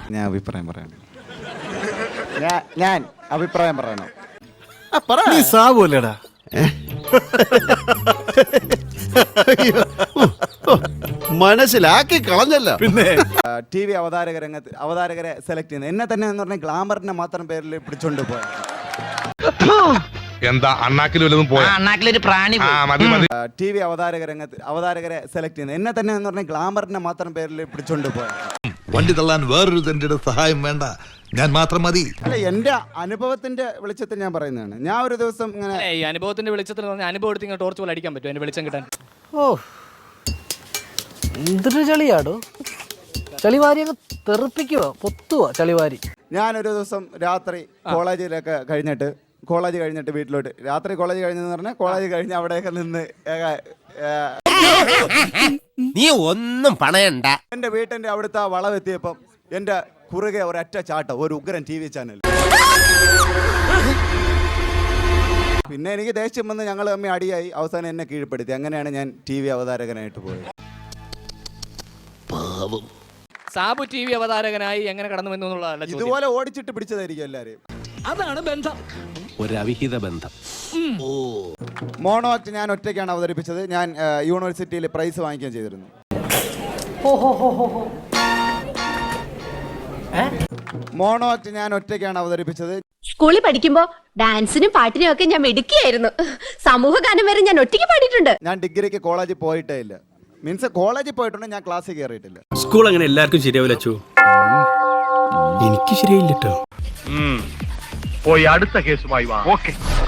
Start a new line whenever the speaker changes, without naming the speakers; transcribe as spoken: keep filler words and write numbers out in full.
ഞാൻ അഭിപ്രായം പറയണം. ഞാൻ ഞാൻ അഭിപ്രായം പറയണം.
നീ സാവൂലടാ.
മനസ്സിലാക്കി കളഞ്ഞല്ല.
പിന്നെ
ടി വി അവതാരക രംഗത്ത് അവതാരകരെ സെലക്ട് ചെയ്യുന്നത് എന്നെ തന്നെ എന്ന് പറഞ്ഞാൽ ഗ്ലാമറിന്റെ മാത്രം പേരിൽ പിടിച്ചോണ്ട് പോയ
എന്താ അണ്ണാക്കിൽ വല്ലതും പോയാ?
അണ്ണാക്കിലൊരു പ്രാണി
ആ, മതി മതി.
ടി വി അവതാരക രംഗത്ത് അവതാരകരെ സെലക്ട് ചെയ്യുന്നത് എന്നെ തന്നെ എന്ന് പറഞ്ഞാൽ ഗ്ലാമറിന്റെ മാത്രം പേരിൽ പിടിച്ചോണ്ട് പോയ
വണ്ടി തള്ളാൻ വേറൊരു തന്റെ സഹായം വേണ്ട, ഞാൻ മാത്രം മതി.
അല്ല, എന്റെ അനുഭവത്തിന്റെ വെളിച്ചത്തിൽ ഞാൻ പറയുന്നതാണ്. ഞാൻ ഒരു ദിവസം ഇങ്ങനെ
ഈ അനുഭവത്തിന്റെ വെളിച്ചത്തിൽ അനുഭവം എടുത്ത് ഇങ്ങനെ ടോർച്ച് പോലെ അടിക്കാൻ പറ്റും അതിന്റെ വെളിച്ചം കിട്ടാൻ.
ഓ എന്തൊരു ചളിയാടോ, ചളിവാരിയൊക്കെ തെറിപ്പിക്കുക, പൊത്തുക ചളിവാരി.
ഞാനൊരു ദിവസം രാത്രി കോളേജിലൊക്കെ കഴിഞ്ഞിട്ട് കോളേജ് കഴിഞ്ഞിട്ട് വീട്ടിലോട്ട് രാത്രി കോളേജ് കഴിഞ്ഞെന്ന് പറഞ്ഞാൽ കോളേജ് കഴിഞ്ഞ് അവിടെയൊക്കെ നിന്ന്
നീ ഒന്നും പണയണ്ട.
എൻ്റെ വീട്ടിൻ്റെ അവിടുത്തെ വളവെത്തിയപ്പം എൻ്റെ കുറുകെ ഒരൊറ്റ ചാട്ടം, ഒരു ഉഗ്രൻ ടി വി ചാനൽ. പിന്നെ എനിക്ക് ദേഷ്യം വന്ന് ഞങ്ങൾ തമ്മിൽ അടിയായി, അവസാനം എന്നെ കീഴ്പ്പെടുത്തി. അങ്ങനെയാണ് ഞാൻ ടി വി അവതാരകനായിട്ട് പോയത്.
സാബു ടി വി അവതാരകനായി എങ്ങനെ കടന്നു വന്നു എന്നുള്ളതല്ല ചോദ്യം.
ഇതുപോലെ ഓടിച്ചിട്ട് പിടിച്ചതായിരിക്കും എല്ലാവരെയും.
അതാണ് ബന്ധം,
ഒരു അവിഹിത ബന്ധം.
മോണോ ആക്ട് ഞാൻ ഒറ്റയ്ക്കാണ് അവതരിപ്പിച്ചത്. ഞാൻ യൂണിവേഴ്സിറ്റിയിൽ പ്രൈസ് വാങ്ങിക്കുകയും ചെയ്തിരുന്നു. മോണോ ആക്ട് ഞാൻ ഒറ്റയ്ക്കാണ് അവതരിപ്പിച്ചത്.
സ്കൂളിൽ പഠിക്കുമ്പോ ഡാൻസിനും പാട്ടിനും ഒക്കെ ഞാൻ മിടുക്കിയായിരുന്നു. സമൂഹ ഗാനം വരെ ഞാൻ ഒറ്റയ്ക്ക് പാടിയിട്ടുണ്ട്.
ഞാൻ ഡിഗ്രിക്ക് കോളേജിൽ പോയിട്ടേ ഇല്ല. മീൻസ് കോളേജിൽ പോയിട്ടുണ്ട്, ഞാൻ ക്ലാസ്സിൽ കയറിയിട്ടില്ല.
സ്കൂൾ അങ്ങനെ എല്ലാവർക്കും ശരിയാവില്ല അച്ചു. എനിക്ക് ശരിയായില്ല കേട്ടോ.
പോയി അടുത്ത കേസുമായി വാ. ഓക്കെ.